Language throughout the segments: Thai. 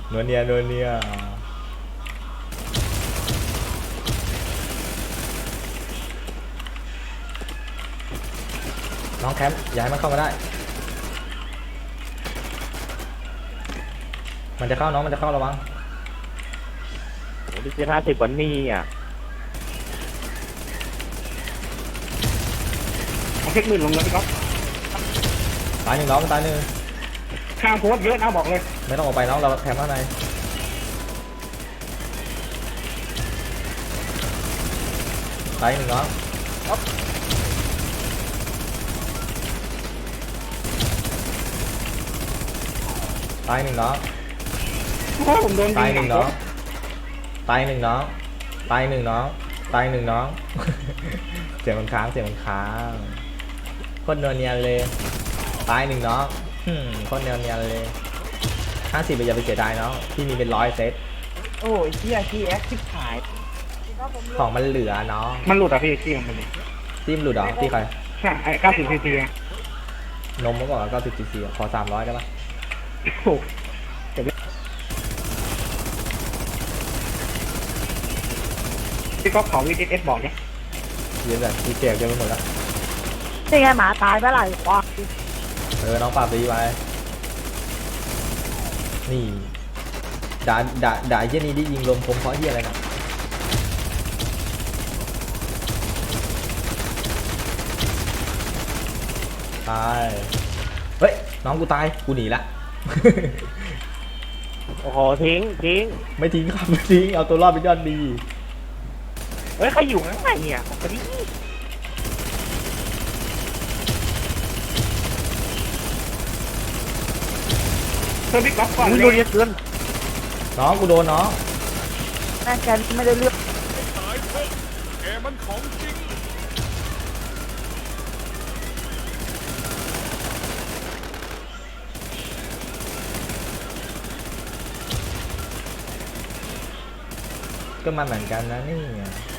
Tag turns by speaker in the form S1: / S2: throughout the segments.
S1: นวลเนียนวลเนียน้องแคมป์อย่าให้มันเข้ามาได้มันจะเข้าน้องมันจะเข้าระวัง
S2: ผมจะ50วันนี้อ่ะ
S3: เอาเช็คหมื่นลงเลยพี่ก๊อฟ
S1: ตายหนึ่งน้องตายหนึ่ง
S3: ข้างโพสเยอะนะบอกเลย
S1: ไม่ต้องออกไปน้องเราแคมป์ข้างในตายหนึ่งน้องตายหนึ่งน้อง
S3: เพราะผมโดน
S1: ตายหนึ่งน้องตายหนึ่งน้องตายหนึ่งน้องตายหนึ่งน้อง เสียงมันค้างเสียงมันค้างโคตรเนียนเลยตายหนึ่งน้องโคตรเนียนเลย50ไปอย่าไปเสียดายน้องพี่มีเป็น100เซต
S3: โอ้ยเฮียคีแอคทิพหาย
S1: ของมันเหลือน้อง
S3: มันหลุดอ่ะพี่ที่ของมัน
S1: ทีมหลุดเหรอที่ใคร
S3: ใช่ไอ้90 cc
S1: นมเมื่อก่อน90 cc ขอ300ได้ปะ
S3: โอ้พี่ก๊อฟขอ VSS บอกเนี่ย
S1: เยอะเลยมีแจกเยอะไปหมดแล้ว
S4: นี่ไงหมาตายไปหลายควาย
S1: น้องปราบดีไปนี่ด่าเยี่ยนี้ดิยิงลมคมเพราะเยี่ยอะไรนะตายเฮ้ยน้องกูตายกูหนีละ
S2: โอ้โหทิ้ง
S1: ไม่ทิ้งครับไม่ทิ้งเอาตัวรอดเป็นยอดดี
S2: เฮ้ยใครอยู่ข้างในเนี่ยตอนนี้
S3: เพื่อพี่ก๊อฟก่อน
S2: ดูเยอะเกิน
S1: น้องกูโดนน้อง
S4: แม่แกไม่ได้เลือก
S5: สายพกแกมันของจริง
S1: ก็มาเหมือนกันนะนี่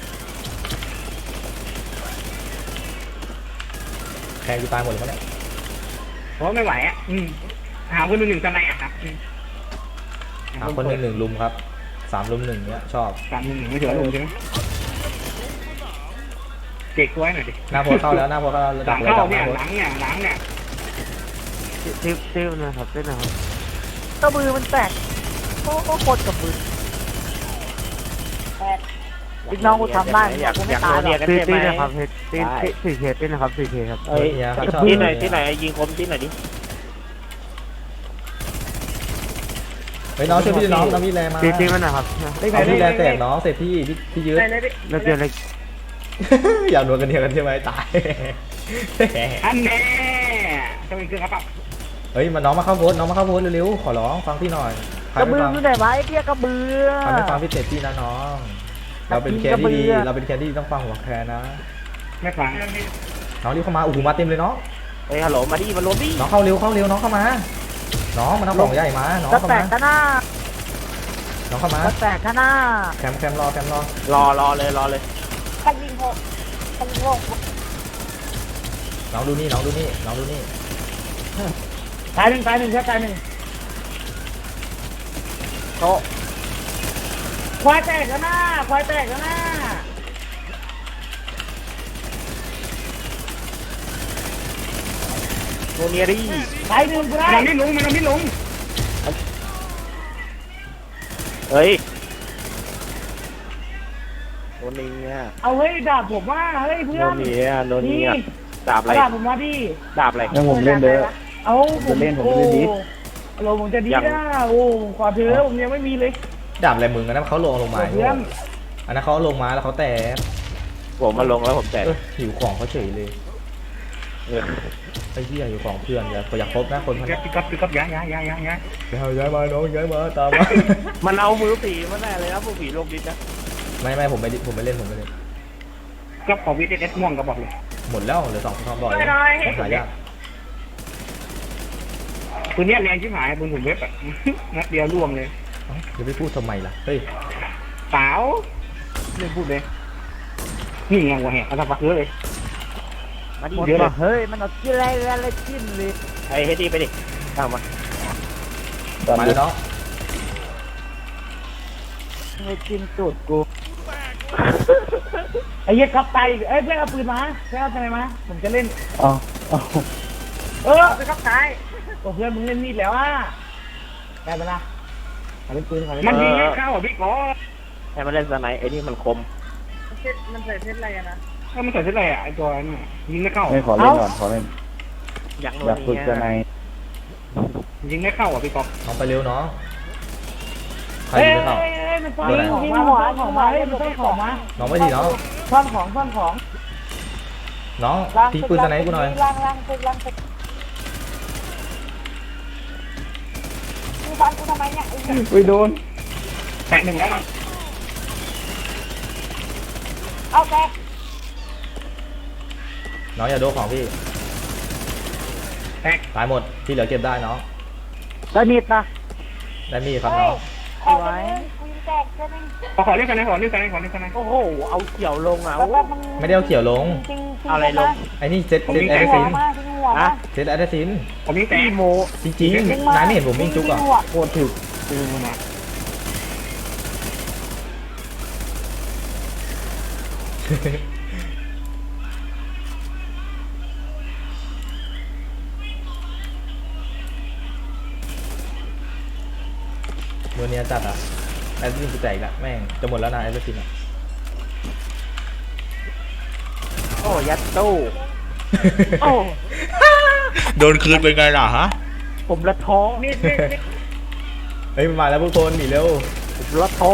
S1: แค่กูตายหมดเลยมั้งเนี่ย
S3: เพราะไม่ไหวอ่ะหาคนหนึ่งจะไหนอ่ะครับ
S1: หาคนหนึ่งลุมครับ3 ลุม 1เนี้ยชอบ
S3: 3 ลุม 1ไม่ถือลุมใช่ไหมเก๊กไว้หน่อยดิ
S1: หน้าโพเข้าแล้วหน้าโพเข้า
S3: หลังเข้าเนี่ยหลังเนี่ย
S2: ติ้วนะครับเต้นนะครับ
S4: กระบือมันแตกโคตรกระบือพี่น้องกูทำได้กูไม่ตายหรอก
S2: ตีนะครับตี4 เคตีนะครับ4 เคครับที่ไหนยิงคมที่ไหนดิ
S1: เฮ้ยน้องช่วยพี่น้องพี่แรงมา
S2: ตีมันนะครับ
S1: พี่แรงแตกน้องเสร็จพี่ยืด
S2: แล้วเดี๋ยวอะไร
S1: อยากโดนกันเดียวกันใช่ไหมตาย
S3: อันแน่จะมีเครื่องครับ
S1: เฮ้ยมาน้องมาเข้าโพสน้องมาเข้าโพสเร็วๆขอร้องฟังพี่หน่อย
S4: กระบืออยู่ไหนวะไอ้เพี้ยกระบือ
S1: ไม่ฟังพี่เต๋พี่นะน้องเราเป็นแคนดี้เราเป็นแคนดี้ต้องฟังหัวแคนนะ
S3: ไม่ฟัง
S1: น้องรีบเข้ามาโอ้โหมาเต็มเลยน้อง
S2: เฮ้ยฮัลโหลมาดิมาล้มดิ
S1: น้องเข้าเร็วน้องเข้ามาน้องมันเอาของใหญ่มาน้องเข้ามา
S4: แตกกันหน้า
S1: น้องเข้ามา
S4: แตกกันหน้า
S1: แคมรอ
S2: เลย
S4: ขันยิงหก
S1: น้องดูนี่
S3: ตายหนึ่งครับตายหนึ่ง
S2: โต
S3: ควายแตกกันหน้า
S2: โนเนียดิ
S3: ตายหนึ่งมันไม่ลง
S2: เฮ้ยโนเนีย
S3: เอาเฮ้ยดาบผมว่าเฮ้ยเพื่อน
S2: โนเนียดาบอะไร
S3: ดาบผมมาดิ
S2: ดาบอะไร
S3: ผมเล่นเด้อเอาผมเล่นดิเราผมจะดีนะโอ้ขอเธอผมยังไม่มีเลย
S1: ดาบอะไรมึงอันนั้นเขาลงมาอันนั้นเขาลงมาแล้วเขาแตะ
S2: ผมมาลงแล้วผมแตะ
S1: หิวของเขาเฉยเลยไอ้เหี้ยหิวของเพื่อนอย่าครบนะคนมัน
S3: ปิกับย้าย
S1: มาน้องย้ายมาตามมา
S2: มันเอามือผีมาแน่เลยนะพวกผีลงดิจ้ะ
S1: ไม่ผมไม่เล่น
S3: ก็ขอวิดีเอสม่วงก็บอกเลย
S1: หมดแล้วเหลือ2 ความบ่อยหายาก
S3: ปืนนี้แรงชิบหายปืนผมเว็บอ่ะนัดเดียวร่วงเลย
S1: จะไม่พูดทำไมล่ะเฮ้ย
S3: สาวเรื่องพูดเลยนี่ไงวะแหกเขาทำปักเยอะเลย
S4: มาดิเยอะเฮ้ยมันเอากินอะไรจิ้มเลย
S2: ไอ้เฮดีไปดิตามมา
S1: แล้วเนาะ
S4: ไม่จิ้มตูดกู
S3: ไอ้เหี้ยก๊อฟตายอีกเอ้ยเพื่อนเอาปืนมาเพื่อนเอาอะไรมาผมจะเล่น
S2: อ๋อ
S3: ไปก๊อฟตายโอ้เพื่อนมึงเล่นมีดแล้วอ่ะได้ปะล่ะขอเล่นปืนขอเล่น
S2: มันยิง
S3: ให้
S2: ให้เข้าอ่ะพี่กอให้มันเล่นสไนไอ้นี่มันคม
S3: มันใส่เพชรอะไรนะ
S2: ถ้ามันใส่เท่าไหร่อ่ะไอ้ตัวนั้นยิงไม่เข้า
S6: ไม่ขอเล่นก่อนขอเล่น
S2: อยากโด
S6: อยากฝึกจะใน
S2: ยิงไม่เข้าอ่ะพี่กอ
S1: น้องไปเร็วน้องใคร
S3: เฮ้ย
S1: ยิงไม่เข้า
S3: มันซ่อนของมามันซ่อนของมาเฮ้ยมันซ่อนของมา
S1: น้องไม่ดีน้อง
S3: ซ่อนของซ่อนของ
S1: น้องทิ้งปืนสไนป์กูหน่อย
S4: ล่างตึกมึงฟันกูทำไมเนี่ยไอ้เหี้ย
S6: อุ้ยโดน
S2: แตะหนึ่งแล้ว
S4: เอาแก
S1: น้องอย่าโดนของพี่
S2: แตก
S1: ตายหมดที่เหลือเก็บได้น้อง
S4: แล้วนิดนะ
S1: ได้มีดครับน้อง
S4: เอาไว้กูยิงแตกแค่นึง
S2: ขอเล่นกันนะขอเล่นกันนะขอเล่นกันนะ
S4: โอ้โหเอาเขียวลงอ่ะแล้วมัน
S1: ไม่ได้เอาเขียวลง
S4: จริง
S2: อะไรลง
S1: ไอ้นี่เซตแอด
S4: หั
S1: ซิ
S4: วน มาทิ้งหัวมา
S1: เซตแอดซิน
S2: ผมยิงแตกโม
S1: จริงๆนายไม่เห็นผมวิ่งจุกเหรอ
S2: โคตรถึกจริงนะ
S1: วันนี้จัดอ่ะแอดซินกูแตกละแม่งจะหมดแล้วนะแอดซินอ่ะ
S4: โอ้ยัดตู้โอ้
S1: โดนคืนเป็นไงล่ะฮะ
S4: ผมละท้อ
S3: นี่
S1: เฮ้ยมาแล้วพวกคนหนีเร็ว
S4: ผมละท้อ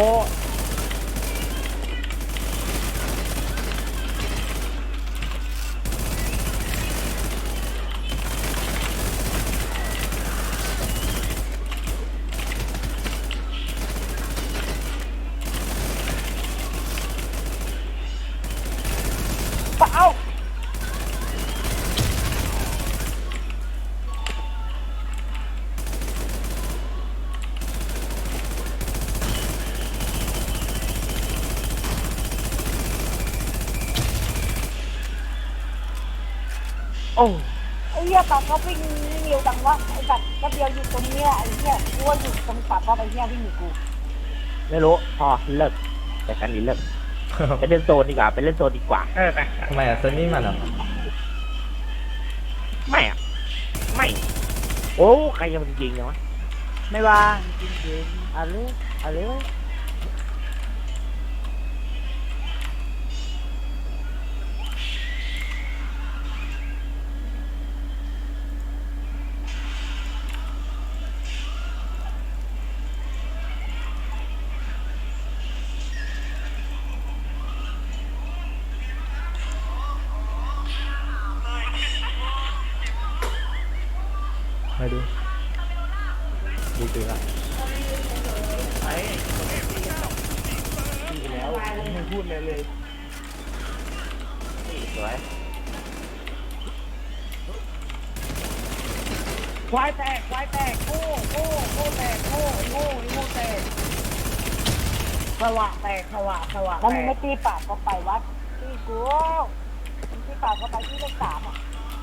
S4: เอา
S1: โอ้
S4: ไอ้เหี้ยปากเขาวิ่งเร็วจังวะไอ้สัตว์ก็เดียวอยู่ตรงเนี้ยไอ้เหี้ยกูว่าอยู่ตรงปากเขาไอ้เหี้ยวิ่งหนีกู
S2: ไม่รู้พอเลิกแต่กันนี้เลิกไปเล่นโซนดีกว่าไปเล่นโซนดีกว่าไป
S1: ทำไมอ่ะเซนนี่มันเหรอ
S2: ไม่อ่ะไม่โอ้ใครจะมันยิงเนี่ยวะ
S4: ไม่ว่าจริงๆอะไรอะไรวะ
S1: มาดูดูตื่นละ
S3: แล้วไม่พูดเลยเลย
S2: สวย
S3: ควายแตกโง่แตกโง่แตกสวะแตกสวะ
S4: แล้วมึงไม่ตีปากก็ไปวัดตีกูมึงตีปากก็ไปที่เลข3อ่ะ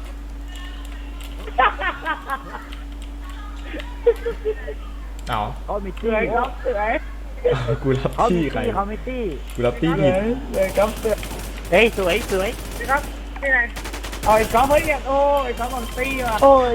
S1: เอา
S4: เขาไม่
S3: เสื
S4: ตี
S3: อยครับเสือย
S1: กูรับ
S4: เขา
S1: ที่
S4: ไม่
S1: ใคร
S4: ตีเขาไม่ตี
S1: กูรับที่ผิด
S3: เสือยครับเสือย
S2: เฮ้ยสวยสวย
S3: ครับนี่ไงเอาไอ้ก๊อฟเฮ้ยเนี่ยโอ้ไอ้ก๊อฟมันตีว่ะ
S4: โอ้ย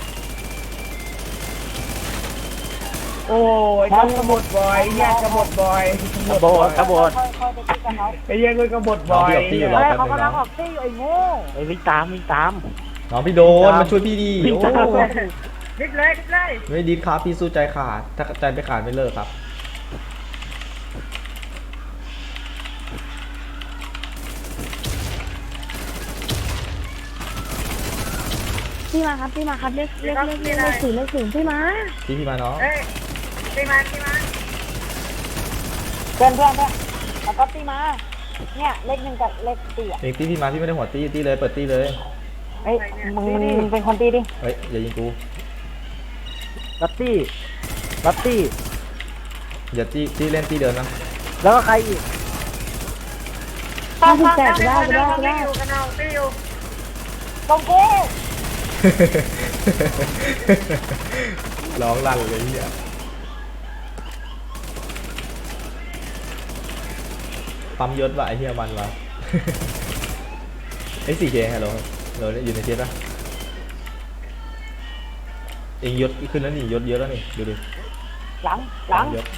S3: โอ้ไอ้ก๊อฟกบฏบ่อยแยกกบฏบ่อย
S2: กระโบดกระโบด
S4: ค่อยไปตีกันเขา
S3: ไอ้แยกเลยกบฏ
S1: น้อง
S3: บ่อย
S1: พี่รับที่รอ
S4: เฮ้ย
S1: แป๊บ
S4: เขา
S1: นึง
S4: กำลั
S1: น้
S4: ง
S1: อง
S4: ออกตีอยู่ไอ้โง่
S2: เฮ้ยวิ่งตามวิ่งตาม
S1: น้องพี่โดนมาช่วยพี่ดีโอ้
S3: นิดเลยนิดเลย
S1: ไม่ดีครับพี่สู้ใจขาดถ้าใจไม่ขาดไม่เลิกครับ
S7: พี่มาครับพี่มาครับเลขศูนย์พี่มา
S1: พี่มาน้อง
S3: เอ้ยตีมา
S4: เพื่อนแล้วก็ตีมาเนี่ยเลข1กับเลข4อ่ะ
S1: เองตีพี่มาพี่ไม่ได้หัวตีตีเลยเปิดตีเลย
S4: เฮ้ยมึงเป็นคนตีดิ
S1: เฮ้ยอย่ายิงกู
S4: รับตี้รับตี้
S1: อย่าตีเล่นตีเดินนะ
S4: แล้วก็ใครอีก
S7: พี่แตกได้
S4: ตรงกู
S1: ร้องลั่นเลยเฮียปั๊มยศว่ะไอ้เหี้ยมันว่ะ ไอ้4Kฮัลโหลเราอยู่ในเทียบปะเองยศขึ้นแล้วนี่ยศเยอะแล้วนี่ดูดิ
S4: หลังหลัง
S1: ยศ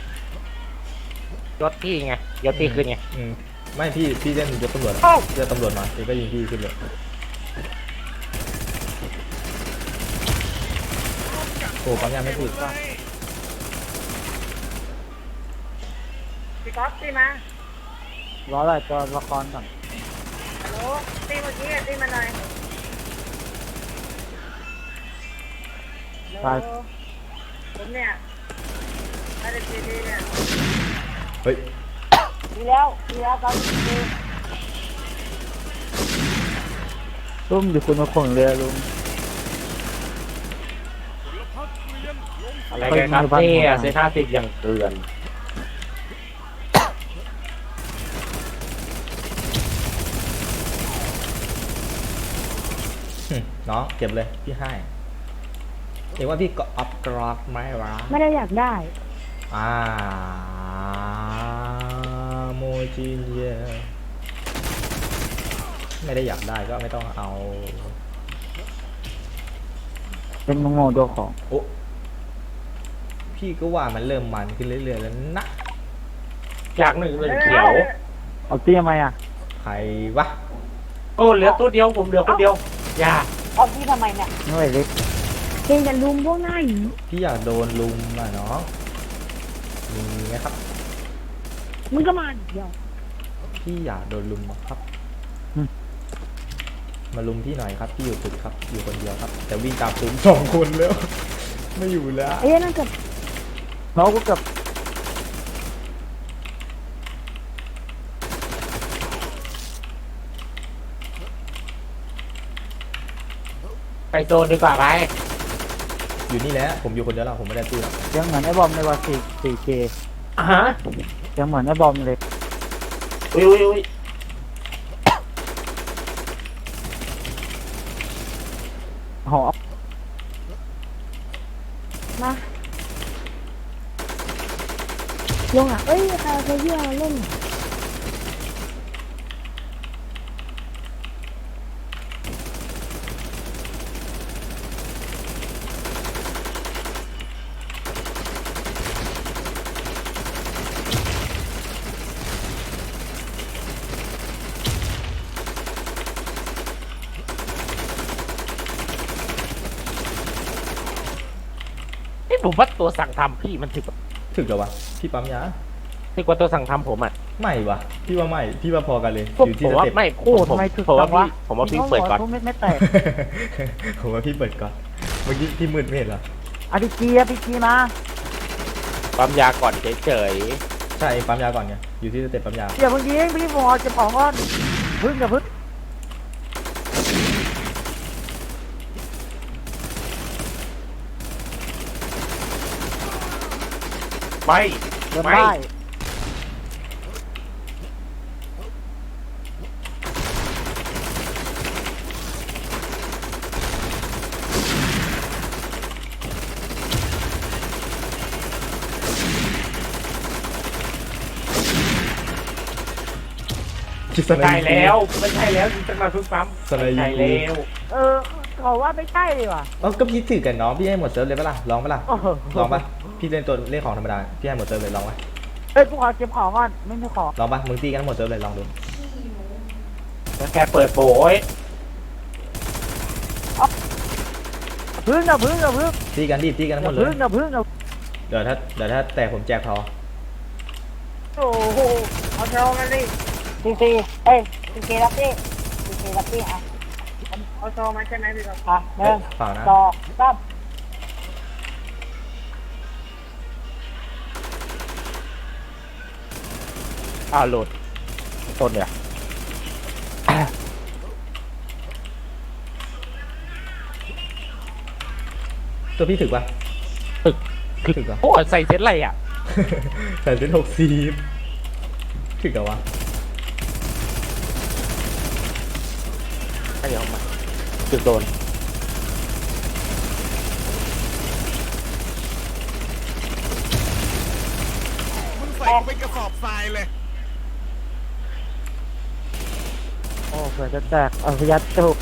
S2: ยศพี่ไงยศพี่ขึ้นไง
S1: ไม่พี่เล่นยศตำรวจเจอตำรวจมาเองก็ยิงพี่ขึ้นเลยโอ้ปั๊มยาไม่ถูก
S3: พี่ก๊อฟตีมา
S2: รออะไรตัวละครก่อน
S3: ฮัลโหลตีเมื่อกี้ตีมาหน่อยฮัลโหลผมเนี่ยไม่ได้ตีเนี่ย
S1: เฮ้ย
S4: ดีแล้วครับดี
S2: ลุงอยู่คุณมาข่งเรือลุง อะไรกันครับเนี่ยเซท่าติดอย่างเตือน
S1: น้องเก็บเลยพี่ให้เห็นว่าพี่ก็อัพกรอบไหมวะ
S7: ไม่ได้อยากได้
S1: โมจินเยไม่ได้อยากได้ก็ไม่ต้องเอา
S2: เป็นโง่ตัวของ
S1: โอ้พี่ก็ว่ามันเริ่มมันขึ้นเรื่อยๆแล้วนะ
S2: จากหนึ่งเป็นเขียวเอาเตี้ยไหมอ่ะ
S1: ใครวะ
S2: โอ้เหลือตัวเดียวผมเหลือคนเดียวอย่า
S4: เอาที่ทำไมเนี่ย
S2: ไม่เล็ก
S7: เองจะลุมพวกหน้าหยี
S1: พี่อยากโดนลุมอ่ะน้องมีไหมครับ
S7: มึงก็มาเดี๋ยว
S1: พี่อยากโดนลุมครับ มาลุมพี่หน่อยครับพี่อยู่ตึกครับอยู่คนเดียวครับ แต่วิ่งตามผม2 คนแล้ว ไม่อยู่แล้ว
S7: ไอ้นั่นกับ
S2: เขาก็กับไปโซนดีกว่าไป
S1: อยู่นี่แหละผมอยู่คนเดียวแล้วผมไม่ได้ตีแล้ว
S2: ยังเหมือนไอ้บอมในวัน4K ฮะยังเหมือนไอ้บอมเลยอุ้ยหอ
S7: มาลงอ่ะเอ้ยใครเอาเพื่อนมาเล่น
S2: ผมว่าตัวสั่งทำพี่มันถึก
S1: ถึกเหรอวะพี่ปั๊มยา
S2: ถึกกว่าตัวสั่งทำผมอ่ะ
S1: ไม่วะพี่ว่าไม่พี่ว่าพอกันเลย
S2: ผม
S1: อยู่ที่ส
S2: ว่า
S1: เต็ป
S2: ไม่โคตรไม่ถึกผมว่าพี่เปิดก่อน
S4: ไม่แตก
S1: ผมว่าพี่เปิดก่อนเมื่อกี้พี่มืดไม่เห็นเหรอ
S4: อภิกีมา
S2: ปั๊มยาก่อนเฉย
S1: ใช่เองปั๊มยาก่อนไงอยู่ที่สเต็ปปั๊มยา
S4: เดี๋ยวเมื่อกี้พี่ผมเก็บของก่อนพึ่งกับพึ่ง
S2: ๆไม่
S4: เดินได้
S1: คิดส
S2: ใช่
S1: นาย
S2: แล้วไม่ใช่แล้วจริงจังมาเพิ่งปั๊ม
S1: สนาย
S2: ใช่
S1: ยิง
S2: แล้ว
S4: เขาว่าไม่ใช่เลยว่ะ
S1: เอ้าก็พี่ถือกันน้องพี่ให้หมดเซิร์ฟเลยปะล่ะลองปะล่ะ
S4: โอ้โห
S1: ลองปะพี่เล่นตัวเล่นของธรรมดาพี่ให้หมดเซิร์ฟเลยลองปะ
S4: เอ้ยกูขอเก็บของก่อนไม่มีของ
S1: ลองปะมึงตีกันหมดเซิร์ฟเลยลองดู
S2: แค่เปิดโบย
S4: พึ่งกับพึ่ง
S1: ตีกันรีบตีกันหมดเลย
S4: พึ่งกับ
S1: เดี๋ยวถ้าแตกผมแจกพอ
S3: โอ้โหเอาเทลมาดิ
S4: ซีเอ้ยซีรับพี่อ่ะ
S3: เอาโซมาใช่ไหมพี่ก๊อฟ
S4: อ่ะหนึ่ง
S1: เปล่านะ
S4: สองสาม
S2: โหลดต้นเนี่ย
S1: ตัวพี่ถึกปะ
S2: ถึก
S1: ถึกเหรอ
S2: โอ้ใส่เซ็ตอะไรอ่ะ
S1: ใส่เป็น60ถึกเหรอวะ
S2: ให้เดี๋ยวมาจุดโดน
S5: มึงใส่กูเป็นกระสอบทรายเลย
S2: เผื่อจะแตกเอาพยัดจุก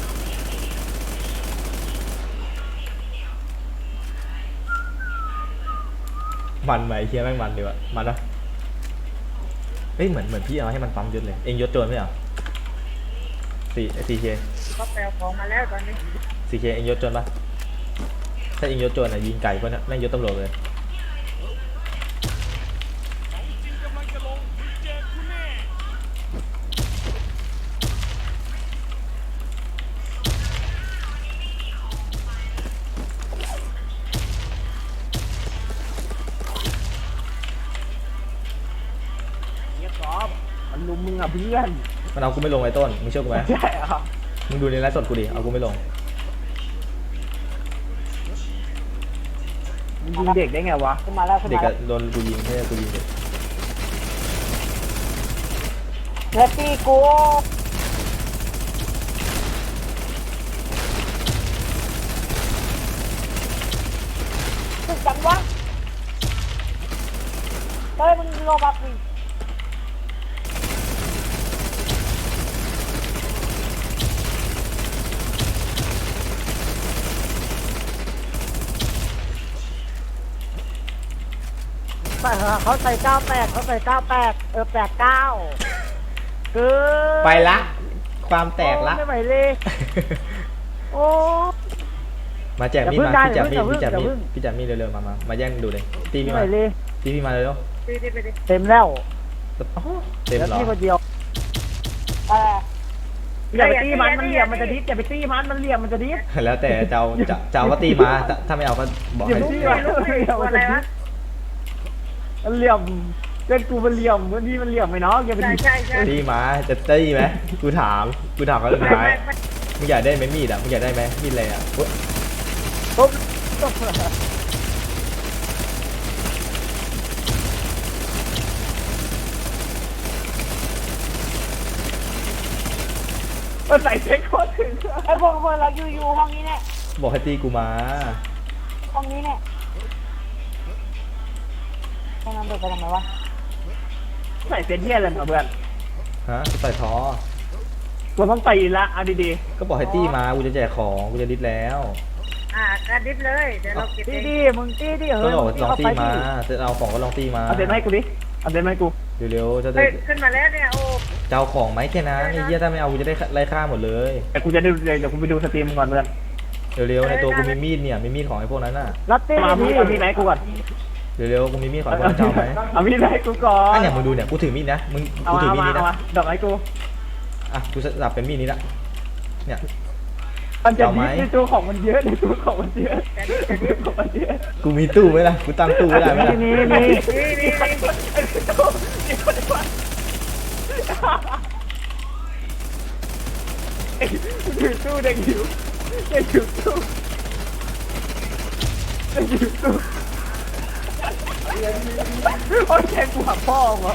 S1: มันไหมเฮียแม่งมันดีว่ะมันปะเอ้ยเหมือนพี่เอาให้มันปั๊มยศเลยเองยศโจรไม่เหรอ4K
S3: ก็แปลของมาแล้วตอนนี้
S1: 4K เองยศโจรปะถ้าเองยศโจรยิงไก่พวกนั้นแม่งยศตำรวจเลย
S5: ของจริงกำลังจะลงเจอคุณแน่
S2: เงี้ยกอล์ฟมันลุมมึงอ่ะเพื่อน
S1: มันเอากูไม่ลงไอ้ต้นมึงเชื่อกูไหม
S2: ใช่อ่ะ
S1: มึงดูในไลฟ์สดกูดิเอากูไม่ลง
S2: มึงยิงเด็กได้ไงวะ
S4: ขึ้นมาแล้วขึ้น
S1: เด็ก
S4: มาแล้
S1: อะ
S4: ว
S1: โดนกูยิงไม่ใช่กูยิงเด็ก
S4: เฮ้ยตีกูตึกจังวะเฮ้ยมึงโลบักดิ
S2: ใส่เขาใส่98เขาใส่9889คือ
S1: ไปละความแตกละ
S2: ไม่ไหวเลย โอ้
S1: มาแจกมีดมา
S2: อย่า
S1: พี่
S2: เพิ่ง
S1: จับมีด
S2: อย่าเพิ่ง
S1: พี่จับมีดเร็วๆมาแย่งดูเลยตี
S2: ไม่
S1: พี่
S2: ไหว
S1: มา
S2: เลย
S1: ตีพี่มาเร็ว
S3: ตีไปดิ
S2: เต็มแล้ว
S1: ๆอ๋อเต็ม
S2: แล้ว
S1: เหรอ
S2: พี่คนเดียว
S4: เออ
S2: อย่าไปตีมันเหลี่ยมมันจะดิสอย่าไปตีมันเหลี่ยมมันจะดิส
S1: แล้วแต่เจ้าก็ตีมาถ้าไม่เอาก็บอก
S2: อย่า
S1: ให้
S2: ไปตีมันเหลี่ยมมันจะดิสมันเหลี่ยมเล่นกูมันเหลี่ยมวันนี้มันเหลี่ยมไหมเนาะอย่าไป
S3: ใช่
S2: ดิส
S3: ใช่ใช่
S1: ตีมาจะตีไหมกูถามเขาสุดท้ายมึงอยากได้ไหมมีดอ่ะมึงอยากได้ไหมมีดอะไรอ่ะอุ๊ย
S2: ปุ๊บมันใส่เซ็กโคตรถึง
S4: ไอ้พวกเราอยู่ห้องนี้เนี่ย
S1: บอกให้ตีกูมา
S4: ห้องนี้เนี่ยให้น้องเดินไปทำไมวะ
S2: ใส่เซ็ตเทียอะไรมาเพื่อน
S1: ฮะใส่ท้อ
S2: กูต้องตีละเอาดี
S1: ก็บอกให้ตีมากูจะแจกของกูจะดิสแล้ว
S3: กระดิบเลยเดี๋ยวเราเก็บ
S2: ๆตี
S3: เอง
S2: ดิมึงตีดิ
S1: ก็บอก
S2: มึ
S1: ลองตีมา
S2: ดิ
S1: จะเอาของก็ลองตีมา
S2: เอาเด็นมาให้กูดิเอาเด็นมาให้กู
S1: เร็วๆจะ
S3: เฮ้ยขึ้นมาแล้วเนี่ยโอ้
S1: จะเอาของไหมแค่นั้นไอ้เหี้ยถ้าไม่เอากูจะได้ไล่ฆ่าหมดเลย
S2: แต่กูจะดูเดี๋ยวกูไปดูสตรีมก่อนเพื่อน
S1: เร็วๆในตัวกูมีมีดเนี่ยมีมีดของไอ้พวกนั้นน่ะ
S2: รับตีเอามีดไหนกูก่อน
S1: เร็วๆกูมีมีดของไอ้พวกนั้นจะเอาไหม
S2: เอามีดไหนกูก่อน
S1: อันอย่างมึงดูเนี่ยกูถือมีดนะมึง
S2: เอา
S1: กูถือ
S2: เอา
S1: มีด
S2: มา
S1: นี้
S2: เอา
S1: นะ
S2: มาดอกไม้กู
S1: อ่ะกูสับเป็นมีดนี้ละเนี่ย
S2: มันจะ
S1: เอาไหม
S2: ดิในตัวของมันเยอะในตัวของมันเยอะในตัวของมันเยอะ
S1: กูมีตู้ไหมล่ะกูตั้งตู้ไม่ได้ไหมล่ะ
S2: นี่ ถือตู้เด็กหิวเด็กหิวตู้เด็กหิวตู้โอ้ยแทงกูหักพ่อเหรอ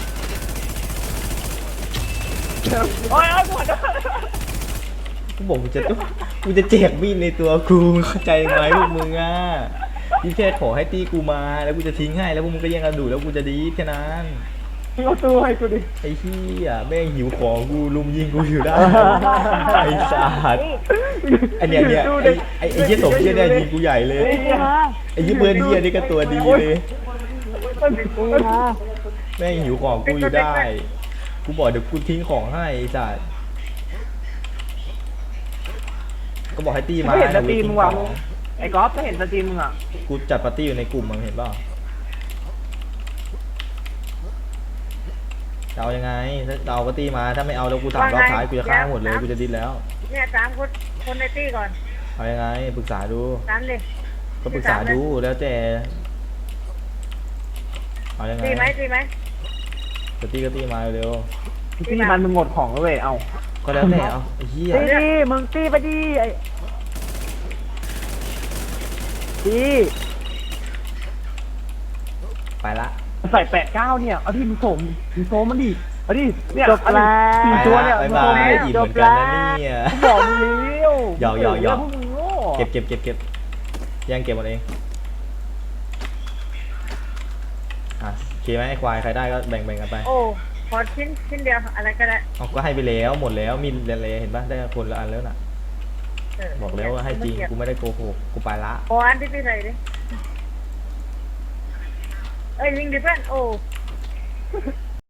S2: โอ้ยกูหัก
S1: กูบอกกูจะแจกมีดในตัวกูมึงเข้าใจไหมพวกมึงอ่ะพี่แค่ขอให้ตีกูมาแล้วกูจะทิ้งให้แล้วพวกมึงก็แย่งกันดูแล้วกูจะดีแค่นั้น
S2: เอาตู้ให้กูดิ
S1: ไอ้เหี้ยแม่งหิวของกูลุมยิงกูอยู่ได้ไอ้สัสไอ้เนี่ยไอ้เหี้ยสมเหี้ยเนี่ยยิงกูใหญ่เลย
S4: ตีมา
S1: ไอ้เหี้ยเบิร์ดเหี้ยนี่ก็ตัวดีเลย
S4: ตีมา
S1: แม่งหิวของกูอยู่ได้กูบอกเดี๋ยวกูทิ้งของให้ไอ้สัสก็บอกให้ตีมา
S2: ไม่เห็นสตรีม
S1: ทิ้ง
S2: ว่ะ
S1: ของ
S2: ไอ้ก๊อฟไม่เห็นสตรีมมึงอ่ะ
S1: กูจัดปาร์ตี้อยู่ในกลุ่มมึงเห็นเปล่าจะเอายังไงถ้าเอาปาร์ตี้มาถ้าไม่เอาแล้วกูถามรอบท้ายกูจะฆ่าหมดเลยกูจะดิ้นแล้ว
S3: เนี่ย3 คนในตี้ก่อน
S1: เอายังไงปรึกษาดู
S3: 3เลย
S1: ก็ปรึกษาดูแล้วแต่เอายังไง
S3: ตีไหม
S1: จะตีก็ตีมาเร็ว
S2: พี่มันมึงหมดของแล้วเว้ยเอา
S1: ก็แล้วแต่เอาไอ้เหี้ย
S2: ตีดิมึงตีไปดิไอ้ตี
S1: ไปละ
S2: ใส่89เนี่ยเอาที่มึงโสมมันดิเอาดิเนี่ย
S7: จบแล้ว
S2: สี่ตัวเนี่ย
S1: ไป
S2: มึง
S1: ละ
S2: โสม
S1: บ๊ายบาย
S2: ดิ
S1: อิ่มเหมือนกันนะเนี่ย
S2: บอกมึงเลี้ยว
S1: หยอก
S2: พวกมึงโง่
S1: เก็บแย่งเก็บหมดเองอ่ะโอเคไหมไอ้ควายใครได้ก็แบ่งกันไป
S4: โอ้
S3: ขอชิ้นเดียวอะไรก็ได้
S1: เอาก็ให้ไปแล้วหมดแล้วมีเลยเห็นปะได้คนละอันแล้วน่ะ บอกแล้วว่าให้จริงกูไม่ได้โกหกกูไปละ
S3: ขออันที่พี่ใส่ดิเอ้ยยิงดิเพื่อนโอ้